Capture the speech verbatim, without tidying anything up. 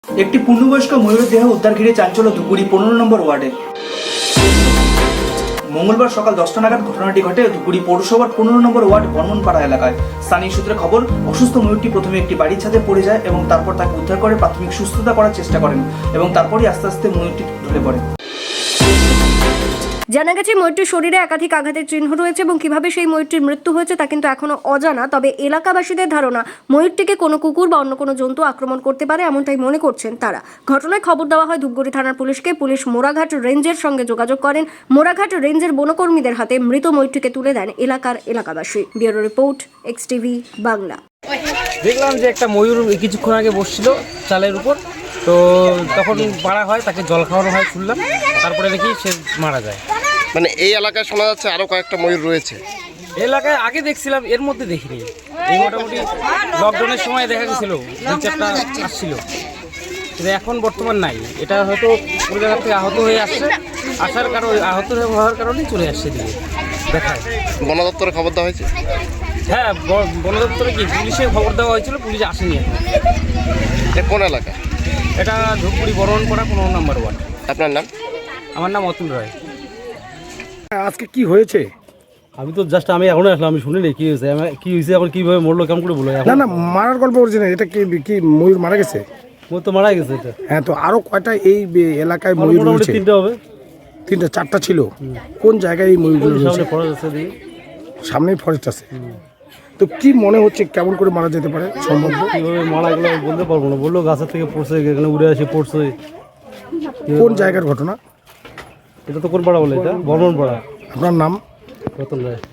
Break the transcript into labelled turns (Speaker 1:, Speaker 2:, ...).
Speaker 1: একটি পূর্ণবয়স্ক ময়ূরের দেহ উদ্ধার ঘিরে চাঞ্চল্য ধুপগুড়ি পনেরো নম্বর ওয়ার্ডে। মঙ্গলবার সকাল দশটা নাগাদ ঘটনাটি ঘটে ধুপগুড়ি পৌরসভার পনেরো নম্বর ওয়ার্ড বর্মনপাড়া এলাকায়। স্থানীয় সূত্রে খবর, অসুস্থ ময়ূরটি প্রথমে একটি বাড়ির ছাদে পড়ে যায় এবং তারপর তাকে উদ্ধার করে প্রাথমিক সুস্থতা করার চেষ্টা করেন এবং তারপরই আস্তে আস্তে ময়ূরটি ঢলে পড়ে।
Speaker 2: জানা গেছে ময়ূরটির শরীরে একাধিক আঘাতের চিহ্ন রয়েছে এবং কিভাবে সেই ময়ূরটির মৃত্যু হয়েছে তা কিন্তু এখনো অজানা। তবে এলাকাবাসীদের ধারণা ময়ূরটিকে কোনো কুকুর বা অন্য কোনো জন্তু আক্রমণ করতে পারে, এমনটাই মনে করছেন তারা। ঘটনায় খবর দেওয়া হয় ধূপগুড়ি থানার পুলিশকে। পুলিশ মোড়াঘাট রেঞ্জের সঙ্গে যোগাযোগ করেন। মোড়াঘাট রেঞ্জের বনকর্মীদের হাতে মৃত ময়ূরটিকে তুলে দেন এলাকার এলাকাবাসী। Bureau report, X TV Bangla.
Speaker 3: দেখলাম যে একটা ময়ূর কিছুক্ষণ আগে বসছিল চালের উপর, তো তখন মারা হয়, তাকে জল খাওয়ানো হয় শুনলাম, তারপরে দেখি সে মারা যায়।
Speaker 4: মানে এই এলাকায় শোনা যাচ্ছে আরো কয়েকটা ময়ূর রয়েছে।
Speaker 3: এলাকায় আগে দেখছিলাম, এর মধ্যে দেখিনি। এই মোটামুটি লকডাউনের সময় দেখা গেছিল দুই চারটা আসছিল, কিন্তু এখন বর্তমান নাই। এটা হয়তো কোনো জায়গা থেকে আহত হয়ে আসছে, আসার কারণে আহত হওয়ার কারণেই চলে আসছে দিকে দেখায়।
Speaker 4: বন দপ্তরে খবর দেওয়া হয়েছে?
Speaker 3: হ্যাঁ, বন দপ্তরে কি পুলিশে খবর দেওয়া হয়েছিল, পুলিশ আসেনি এখন।
Speaker 4: এটা কোন এলাকা?
Speaker 3: এটা ধূপগুড়ি বর্মনপাড়া পনেরো নম্বর ওয়ার্ড।
Speaker 4: আপনার নাম?
Speaker 3: আমার নাম অতুল রায়।
Speaker 5: আজকে কি হয়েছে?
Speaker 6: আমি তো জাস্ট আমি এখনো আসলাম, আমি শুনিনি কি হয়েছে, আমি কি হয়েছে এখন কিভাবে মরলো কেমন করে বলো।
Speaker 5: না না, মারার গল্প অরিজিনাল। এটা কি কি ময়ূর মারা গেছে?
Speaker 6: ও তো মারা গেছে এটা।
Speaker 5: হ্যাঁ, তো আরো কয়টা এই বে- এলাকায় ময়ূর
Speaker 6: মোটামুটি
Speaker 5: রয়েছে?
Speaker 6: তিনটা হবে।
Speaker 5: তিনটা চারটা ছিল। কোন জায়গায় এই ময়ূর
Speaker 6: ওই
Speaker 5: রয়েছে?
Speaker 6: সামনে পড়া যাচ্ছে দিকে।
Speaker 5: সামনেই ফরেস্ট আছে। তো কি মনে হচ্ছে কেমন করে মারা যেতে পারে সম্ভব?
Speaker 6: কিভাবে মারা গেলো আমি বলতে পারবো না। বললো গাছের থেকে পড়ছে, এখানে উড়ে আসে পড়ছে।
Speaker 5: কোন জায়গার ঘটনা?
Speaker 6: এটা তো কোন পাড়া বলে? এটা বর্মন পাড়া।
Speaker 5: আপনার নাম?
Speaker 6: রতন রায়।